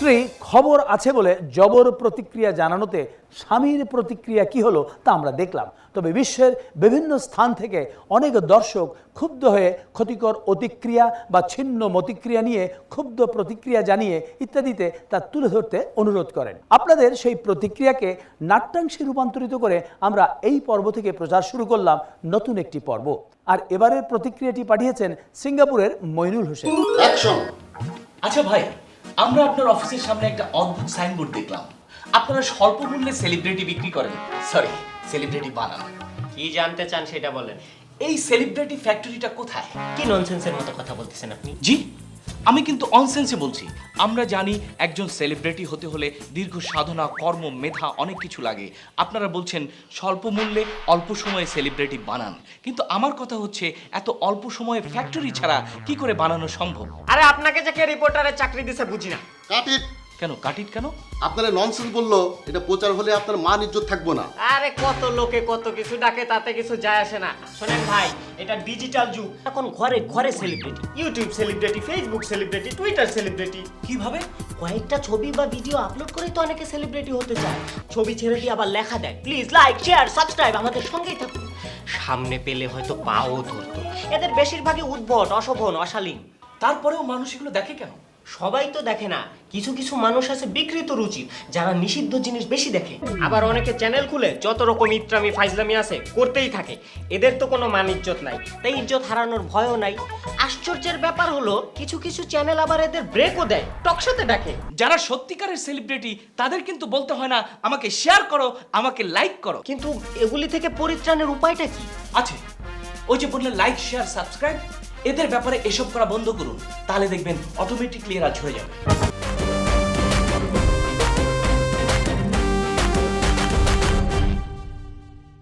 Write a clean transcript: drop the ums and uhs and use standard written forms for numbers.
স্ত্রী খবর আছে বলে জবর প্রতিক্রিয়া জানানোতে স্বামীর প্রতিক্রিয়া কি হলো তা আমরা দেখলাম। তবে বিশ্বের বিভিন্ন স্থান থেকে অনেক দর্শক ক্ষুব্ধ হয়ে ক্ষতিকর অতিক্রিয়া বা ছিন্ন মতিক্রিয়া নিয়ে ক্ষুব্ধ প্রতিক্রিয়া জানিয়ে ইত্যাদিতে তা তুলে ধরতে অনুরোধ করেন। আপনাদের সেই প্রতিক্রিয়াকে নাট্যাংশে রূপান্তরিত করে আমরা এই পর্ব থেকে প্রচার শুরু করলাম নতুন একটি পর্ব। আর এবারের প্রতিক্রিয়াটি পাঠিয়েছেন সিঙ্গাপুরের মইনুল হোসেন। আচ্ছা ভাই, আমরা আপনার অফিসের সামনে একটা অদ্ভুত সাইনবোর্ড দেখলাম। আপনারা স্বল্প মূল্যে সেলিব্রিটি বিক্রি করেন, সরি সেলিব্রিটি বানান। কি জানতে চান সেটা বলেন। এই সেলিব্রিটি ফ্যাক্টরিটা কোথায়? কি ননসেন্সের মতো কথা বলতেছেন আপনি? জি, আমি কিন্তু অনসেন্সে বলছি। আমরা জানি একজন সেলিব্রিটি হতে হলে দীর্ঘ সাধনা, কর্ম, মেধা অনেক কিছু লাগে। আপনারা বলছেন স্বল্প মূল্যে অল্প সময়ে সেলিব্রিটি বানান, কিন্তু আমার কথা হচ্ছে এত অল্প সময়ে ফ্যাক্টরি ছাড়া কি করে বানানো সম্ভব? আরে আপনাকে যে কে রিপোর্টারের চাকরি দিছে বুঝি না। কাটিট কেন কাটিট কেন? আপনারা ননসেন্স বললো, এটা প্রচার হলে আপনার মান ইজ্জত থাকবো না। আরে কত লোকে কত কিছু ডাকে, তাতে কিছু যায় আসে না। শোনেন ভাই, এটা ডিজিটাল যুগ। এখন ঘরে ঘরে celebrity, YouTube celebrity, Facebook celebrity, Twitter celebrity. কিভাবে? কয়েকটা ছবি বা ভিডিও আপলোড করে তো অনেকে সেলিব্রিটি হতে চায়। ছবি ছেড়ে দিয়ে আবার লেখা দেয়, প্লিজ লাইক, শেয়ার, সাবস্ক্রাইব, আমাদের সঙ্গেই থাকুন। সামনে পেলে হয়তো পাও ধরতো। এদের বেশিরভাগই উদ্ভট, অশোভন, অশালীন। তারপরেও মানুষ এগুলো দেখে কেন? সবাই তো দেখে না, কিছু কিছু মানুষ আছে বিকৃত রুচির, যারা নিষিদ্ধ জিনিস বেশি দেখে। আবার অনেকে চ্যানেল খুলে যত রকম ইত্রামি ফাইজলামি আছে করতেই থাকে। এদের তো কোনো মান ইজ্জত নাই, তাই ইজ্জত হারানোর ভয়ও নাই। আশ্চর্যের ব্যাপার হলো কিছু কিছু চ্যানেল আবার এদের ব্রেকও দেয়, টকশোতে ডাকে। যারা সত্যিকারের সেলিব্রিটি তাদের কিন্তু বলতে হয় না আমাকে শেয়ার করো, আমাকে লাইক করো। কিন্তু এগুলি থেকে পরিত্রাণের উপায়টা কি? আছে, ওই যে বললেন লাইক, শেয়ার, সাবস্ক্রাইব, এদের ব্যাপারে এসব করা বন্ধ করুন, তাহলে দেখবেন অটোমেটিকলি এরা ঝরে যাবে।